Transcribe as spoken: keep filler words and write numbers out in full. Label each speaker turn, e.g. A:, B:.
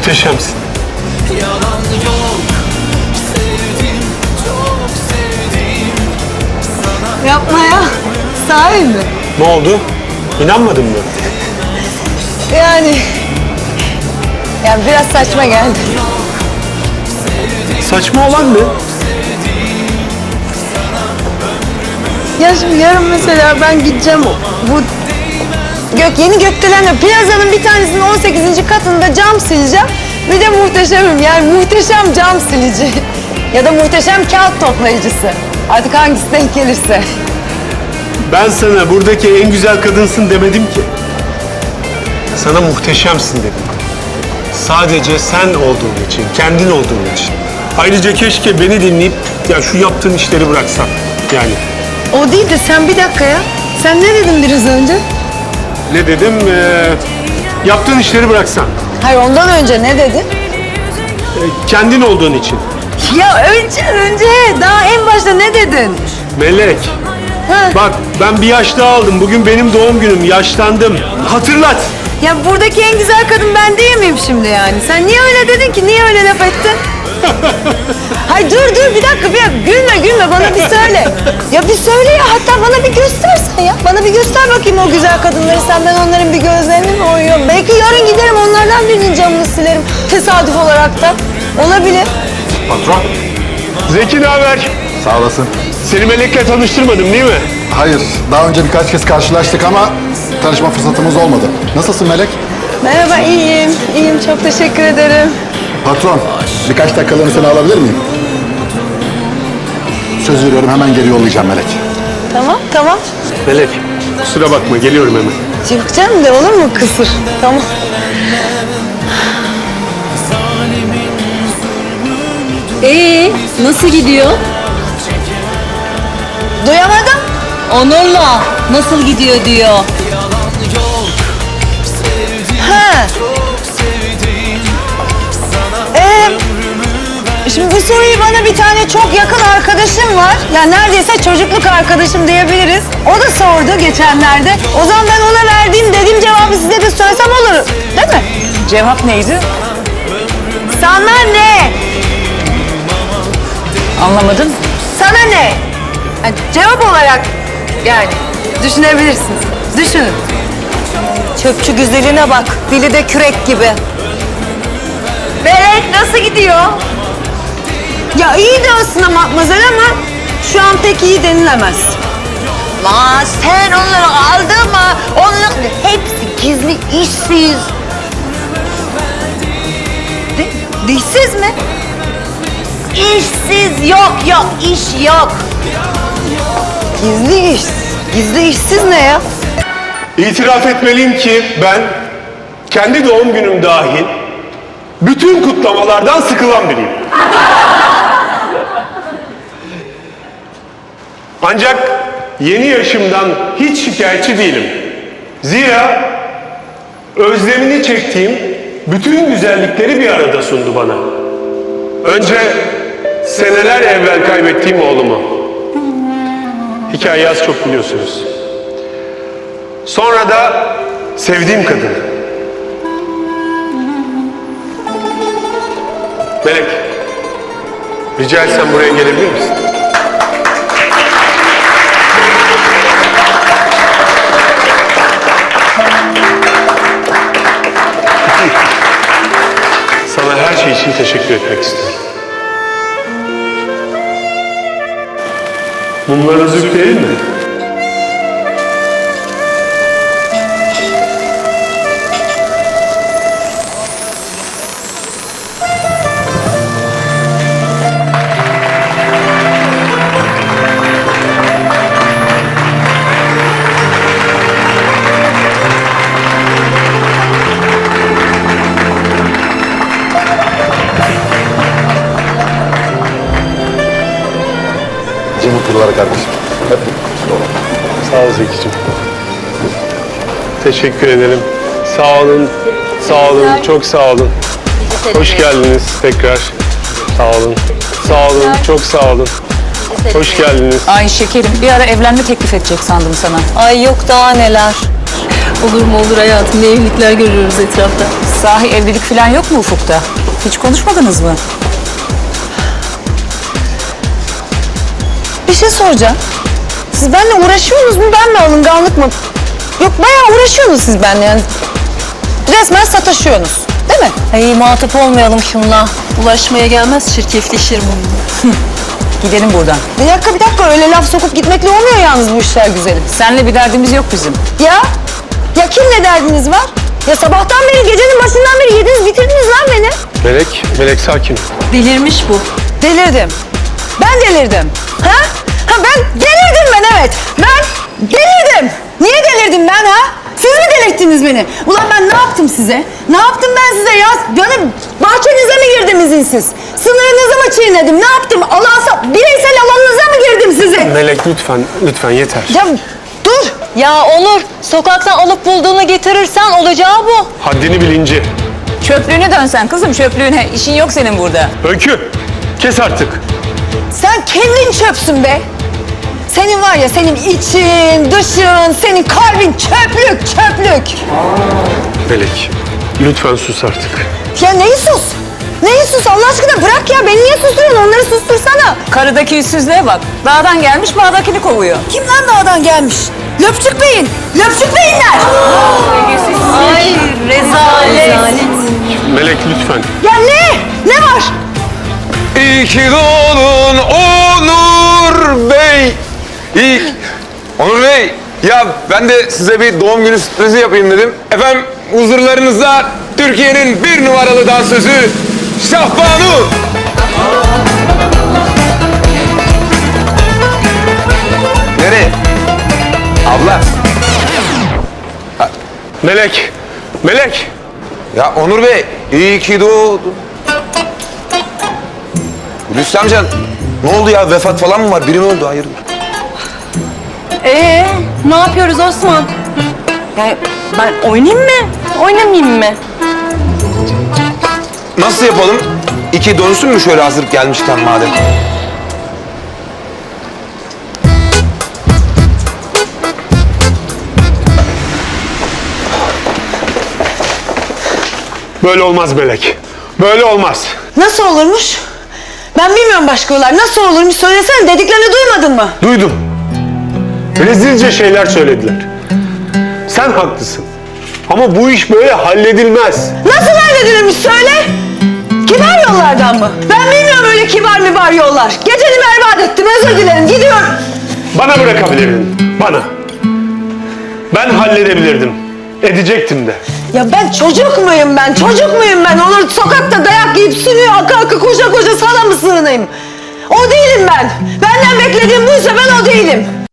A: Muhteşemsin.
B: Yalan yok, sevdim, çok sevdim sana.
C: Yapma ya. Sahi mi?
A: Ne oldu? İnanmadın mı?
C: Yani... Yani biraz saçma geldi.
A: Saçma olan ne?
C: Ya şimdi yarın mesela ben gideceğim bu gök yeni gökdelenle plazanın bir tanesinin on sekizinci katında cam sileceğim. Bir de muhteşemim yani muhteşem cam silici. Ya da muhteşem kağıt toplayıcısı. Artık hangisi denk gelirse.
A: Ben sana buradaki en güzel kadınsın demedim ki. Sana muhteşemsin dedim. Sadece sen olduğun için, kendin olduğun için. Ayrıca keşke beni dinleyip ya şu yaptığın işleri bıraksan. Yani.
C: O değil de sen bir dakika ya. Sen ne dedin biraz önce?
A: Ne dedim? Ee, yaptığın işleri bıraksan.
C: Hayır ondan önce ne dedin?
A: Ee, kendin olduğun için.
C: Ya önce önce daha en başta ne dedin?
A: Melek.
C: Ha.
A: Bak ben bir yaş daha aldım. Bugün benim doğum günüm. Yaşlandım. Hatırlat.
C: Ya buradaki en güzel kadın ben değil miyim şimdi yani? Sen niye öyle dedin ki? Niye öyle laf ettin? Hay dur dur bir dakika bir dakika. Gülme gülme bana bir söyle. Ya bir söyle ya hatta bana bir göstersen ya. Bana bir göster bakayım o güzel kadınları. Sen ben onların bir gözlerini mi oyuyorum? Belki yarın giderim onlardan birinin camını silerim. Tesadüf olarak da. Olabilir.
D: Patron.
A: Zeki ne haber?
D: Sağ olasın.
A: Seni Melek'le tanıştırmadım değil mi?
D: Hayır, daha önce birkaç kez karşılaştık ama tanışma fırsatımız olmadı. Nasılsın Melek?
C: Merhaba iyiyim. İyiyim çok teşekkür ederim.
D: Patron, birkaç dakikalığını seni alabilir miyim? Söz veriyorum hemen geri yollayacağım Melek.
C: Tamam tamam.
A: Melek kusura bakma geliyorum hemen.
C: Yok canım de olur mu kısır? Tamam.
E: Ee, nasıl gidiyor?
C: Duyamadım.
E: Onur'la nasıl gidiyor diyor.
B: Yalan yok, sevdim,
C: Ha.
B: çok sevdim sana.
C: Ee, şimdi bu soruyu bana bir tane çok yakın arkadaşım var. Yani neredeyse çocukluk arkadaşım diyebiliriz. O da sordu geçenlerde. O zaman ben ona verdiğim dediğim cevabı size de söylesem olur. Değil mi? Cevap neydi? Sana ne?
E: Anlamadım.
C: Sana ne? Yani cevap olarak yani düşünebilirsiniz. Düşünün. Çöpçü güzeline bak. Dili de kürek gibi. Melek nasıl gidiyor? Ya iyi de aslında Matmazel ama şu an pek iyi denilemez. Lan sen onları aldın mı? Onlar hepsi gizli işsiz. De, dişsiz mi? İşsiz yok yok iş yok. Gizli iş. Gizli işsiz ne ya?
A: İtiraf etmeliyim ki ben kendi doğum günüm dahil bütün kutlamalardan sıkılan biriyim. Ancak yeni yaşımdan hiç şikayetçi değilim. Zira özlemini çektiğim bütün güzellikleri bir arada sundu bana. Önce seneler evvel kaybettiğim oğlumu. Hikayeyi az çok biliyorsunuz. Sonra da sevdiğim kadın. Melek, rica etsem buraya gelebilir misin? Sana her şey için teşekkür etmek istiyorum. Mumlarınızı üfleyelim mi?
D: İyi mutluluklar kardeşim. Hep
A: Sağ ol Zeki'cim. Teşekkür ederim. Sağ olun. Sağ olun. Çok sağ olun. Hoş geldiniz tekrar. Sağ olun. Sağ olun. Çok sağ olun. Hoş geldiniz.
E: Ay şekerim bir ara evlenme teklif edecek sandım sana.
C: Ay yok daha neler.
E: Olur mu olur hayatım, ne evlilikler görüyoruz etrafta. Sahi evlilik falan yok mu ufukta? Hiç konuşmadınız mı?
C: Bir şey soracağım. Siz benimle uğraşıyorsunuz mu, ben mi alınganlık mı? Yok, bayağı uğraşıyorsunuz siz benimle yani. Resmen sataşıyorsunuz, değil mi?
F: Ay muhatap olmayalım şunla. Ulaşmaya gelmez, çirkefleşir bu.
E: Gidelim buradan.
C: Bir dakika, bir dakika. Öyle laf sokup gitmekle olmuyor yalnız bu işler güzelim.
E: Seninle bir derdimiz yok bizim.
C: Ya? Ya kimle derdiniz var? Ya sabahtan beri, gecenin başından beri yediniz bitirdiniz lan beni.
A: Melek, Melek sakin.
F: Delirmiş bu.
C: Delirdim. Ben delirdim. Ha? Ha ben delirdim ben, evet. Ben delirdim. Niye delirdim ben ha? Siz mi delirttiniz beni? Ulan ben ne yaptım size? Ne yaptım ben size ya? Yani bahçenize mi girdim izinsiz? Sınırınızı mı çiğnedim? Ne yaptım? Alansa, bireysel alanınıza mı girdim sizin?
A: Melek lütfen, lütfen yeter.
C: Ya dur.
F: Ya Onur, sokaktan alıp bulduğunu getirirsen olacağı bu.
A: Haddini bilinci.
E: Çöplüğüne dönsen kızım, çöplüğüne. İşin yok senin burada.
A: Öykü, kes artık.
C: Sen kendin çöpsün be. Senin var ya, senin için, dışın, senin kalbin çöplük, çöplük.
A: Melek, lütfen sus artık.
C: Ya neyi sus? Neyi sus? Allah aşkına bırak ya. Beni niye susturuyorsun? Onları sustursana.
E: Karıdaki yüzsüzlüğe bak. Dağdan gelmiş, bağdakini kovuyor.
C: Kim lan dağdan gelmiş? Löpçük Bey'in. Löpçük Bey'inler.
F: Ay rezalet.
A: Melek lütfen.
C: Ya ne? Ne var?
G: İyi ki doğdun Onur Bey. İyi. Onur Bey, ya ben de size bir doğum günü sürprizi yapayım dedim. Efendim huzurlarınızda Türkiye'nin bir numaralı dansözü Şahbanu. Nereye? Abla.
A: Melek, Melek.
G: Ya Onur Bey, iyi ki doğdun. Hulusi amca, ne oldu ya? Vefat falan mı var? Biri mi öldü? Hayırdır?
F: Ee, ne yapıyoruz Osman? Yani ben oynayayım mı? Oynamayayım mı?
G: Nasıl yapalım? İki dönsün mü şöyle hazır gelmişken madem?
A: Böyle olmaz Melek. Böyle olmaz.
C: Nasıl olurmuş? Ben bilmiyorum başka yollar. Nasıl olurmuş? Söylesene. Dediklerini duymadın mı?
A: Duydum. Rezilce şeyler söylediler. Sen haklısın. Ama bu iş böyle halledilmez.
C: Nasıl halledilirmiş söyle? Kibar yollardan mı? Ben bilmiyorum öyle kibar mibar yollar. Geceni berbat ettim, özür dilerim. Gidiyorum.
A: Bana bırakabilirdin. Bana. Ben halledebilirdim. Edecektim de.
C: Ya ben çocuk muyum ben? Çocuk muyum ben? Olur sokakta dayak yiyip sürüyor, aka aka koşa koşa sana mı sığınayım? O değilim ben. Benden beklediğim buysa ben o değilim.